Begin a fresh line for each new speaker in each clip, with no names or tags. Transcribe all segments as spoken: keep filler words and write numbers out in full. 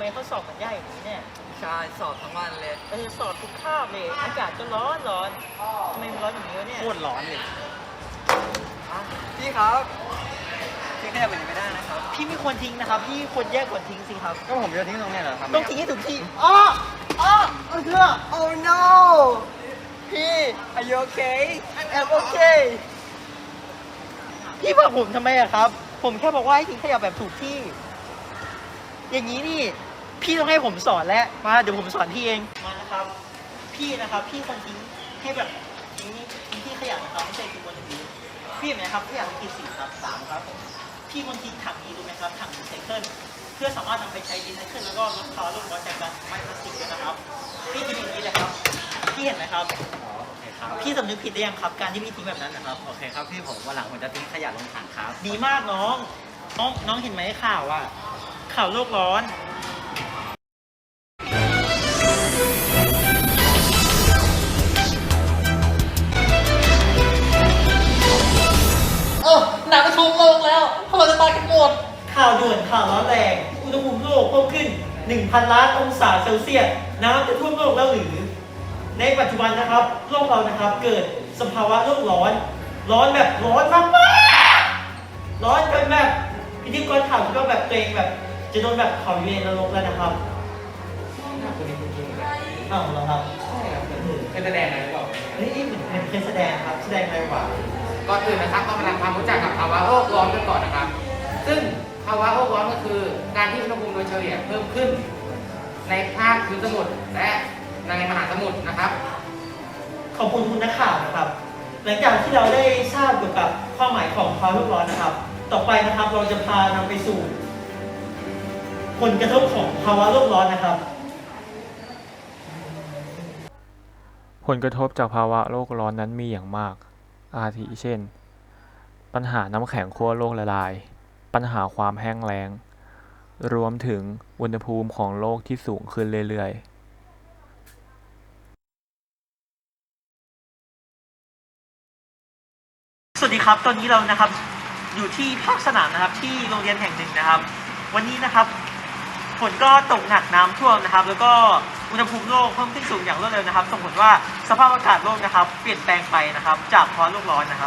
มเขาสอบกันยากอย่างนี้เนี่ย
ใช่สอบทั้งวันเลย
เออสอบทุกคาบเลยอากาศก็ร้อนร้อนทำไมมันร้อนอย่างนี้วะเนี่ย
โคตรร้อนเลยพี่ครับทิ้งขยะแบบนี้ไม่ได้นะครับ
พี่ไม่ควรทิ้งนะครับพี่ควรแยกควรทิ้งสิครับ
ก็ผมจะทิ้งตรงนี้เหรอครับ
ต้องทิ้งให้ถูกที่อ๋ออ๋อเออ
Oh no พี่ Are you okay
I'm okay พี่บอกผมทำไมอะครับผมแค่บอกว่าให้ทิ้งขยะแบบถูกที่อย่างนี้นี่พี่ต้องให้ผมสอนแล้วมาเดี๋ยวผมสอนพี่เองมานะครับพี่นะครับพี่ควรทิ้งให้แบบทิ้งทิ้งที่ขยะนะครับไม่ใช่ทิ้งบนพื้นพี่เห็นไหมครับขยะมันกี่สีครับสามครับพี่ควรทิ้งถังนี้ดูไหมครับถังรีไซเคิลเพื่อสามารถนำไปใช้รีไซเคิลแล้วก็ลดภาวะโลกร้อนจากการไม้พลาสติกด้วยนะครับพี่ทิ้งอย่างนี้เลยครับพี่เห็นไหมครับพี่สำนึกผิดได้ยังครับการที่พี่ทิ้งแบบนั้นนะครับ
โอเคครับพี่ผมวันหลังผมจะทิ้งขยะลงถังครับ
ดีมากน้องน้องน้องเห็นไหมข่าวอ่ะข่าวโลกร้อนเออหนักประชุมโลกแล้วพวกเราจะตายกันหมดข่าวด่วนข่าวร้อนแรงอุณหภูมิโลกเพิ่มขึ้น หนึ่งพัน ล้านองศาเซลเซียสน้ำจะท่วมโลกแล้วหรือในปัจจุบันนะครับโลกเรานะครับเกิดสภาวะโลกร้อนร้อนแบบร้อนมากๆร้อนจนแบบพิธีกรข่าวก็แบบตัวเองแบบจะโดนแบบเผาอยู่ในนรกแล้วนะครับอ้าวเหรอครับ
ใช่ครับเคยแสดงอะไรหรือเปล่า
เฮ้ยเหมือนมันเคยแสดงครับแสดงอะไรวะ
ก่อนอื่นนะครับต้องมาทำความรู้จักกับภาวะโลกร้อนกันก่อนนะครับซึ่งภาวะโลกร้อนก็คือการที่อุณหภูมิโดยเฉลี่ยเพิ่มขึ้นในภาคพื้นสมุทรและในมหาสมุทรนะครับ
ขอบคุณคุณนักข่าวนะครับหลังจากที่เราได้ทราบเกี่ยวกับความหมายของภาวะโลกร้อนนะครับต่อไปนะครับเราจะพานำไปสู่ผลกระทบของภาวะโลกร้อนนะครับ
ผลกระทบจากภาวะโลกร้อนนั้นมีอย่างมาก อาทิเช่น ปัญหาน้ำแข็งขั้วโลกละลาย ปัญหาความแห้งแล้ง รวมถึงอุณหภูมิของโลกที่สูงขึ้นเรื่อย
ๆ สวัสดีครับตอนนี้เรานะครับอยู่ที่ภาคสนามนะครับที่โรงเรียนแห่งหนึ่งนะครับวันนี้นะครับฝนก็ตกหนักน้ำท่วมนะครับแล้วก็อุณหภูมิโลกเพิ่มขึ้นสูงอย่างรวดเร็วนะครับส่งผลว่าสภาพอากาศโลกนะครับเปลี่ยนแปลงไปนะครับจากภาวะโลกร้อนนะครับ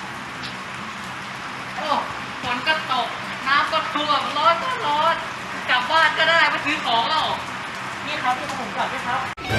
โอ้ฝนก็ตกน้ำก็ท่วมร้อนก็ร้อนกลับบ้านก็ได้ไปซื้อของแล้ว
นี่ครับที่ผมกลับด้วยครับ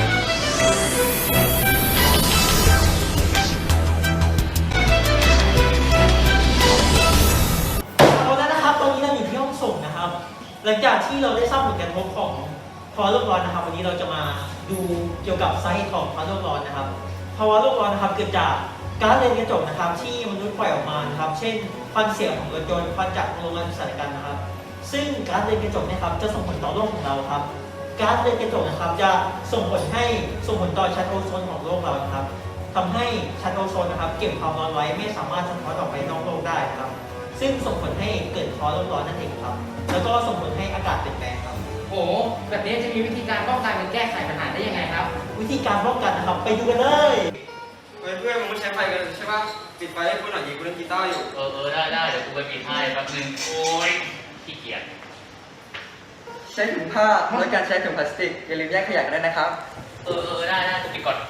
เอาแล้วนะครับตอนนี้เราอยู่ที่ห้องส่งนะครับหลังจากที่เราได้ทราบผลกระทบของภาวะโลกร้อนนะครับวันนี้เราจะมาดูเกี่ยวกับสาเหตุของภาวะโลกร้อนนะครับภาวะโลกร้อนนะครับเกิดจากก๊าซเรือนกระจกนะครับที่มนุษย์ปล่อยออกมานะครับเช่นควันเสียของรถยนต์ควันจากโรงงานอุตสาหกรรมนะครับซึ่งก๊าซเรือนกระจกนะครับจะส่งผลต่อโลกของเราครับก๊าซเรือนกระจกนะครับจะส่งผลให้ส่งผลต่อชั้นโอโซนของโลกเรานะครับทำให้ชั้นโอโซนนะครับเก็บความร้อนไว้ไม่สามารถสะท้อนออกไปนอกโลกได้ครับซึ่งส่งผลให้เกิดภาวะโลกร้อนนั่นเองครับแล้วก็ส่งผลให้อากาศเปลี่ยนแปลงครับ
โอ้แบบนี้จะมีวิธีการป้องกันหรือแก้ไขปัญหาได้ยังไงครับ
วิธีการป้องกันนะครับไปดูกันเลย
เพื่อนมึงไม่ใช้ไฟกันใช่ปะปิดไฟให้กูหน่อยยิงกูเล่นกีตาร์อยู่
เออเออได้ได้เดี๋ยวกูไปปิดให้แป๊บนึงโอ้ยขี้เกียจ
ใช้ถุงผ้าลดการใช้ถุงพลาสติกอย่าลืมแยกขยะกันด้วยนะครับ
เออเออได้ได้กูปิดก่อน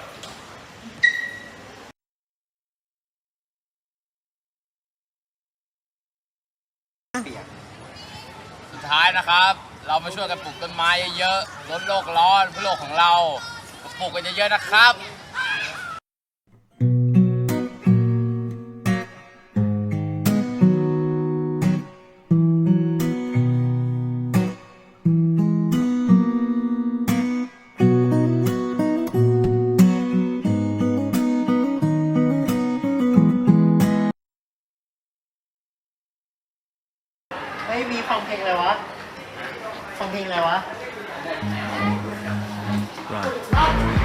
สุดท้ายนะครับเรามาช่วยกันปลูกต้นไม้เยอะๆลดโลกร้อนเพื่อโลกของเราปลูกกันเยอะๆนะครับ
ไม่มีฟังเพลงอะไรวะฟังเพลงอะไรวะ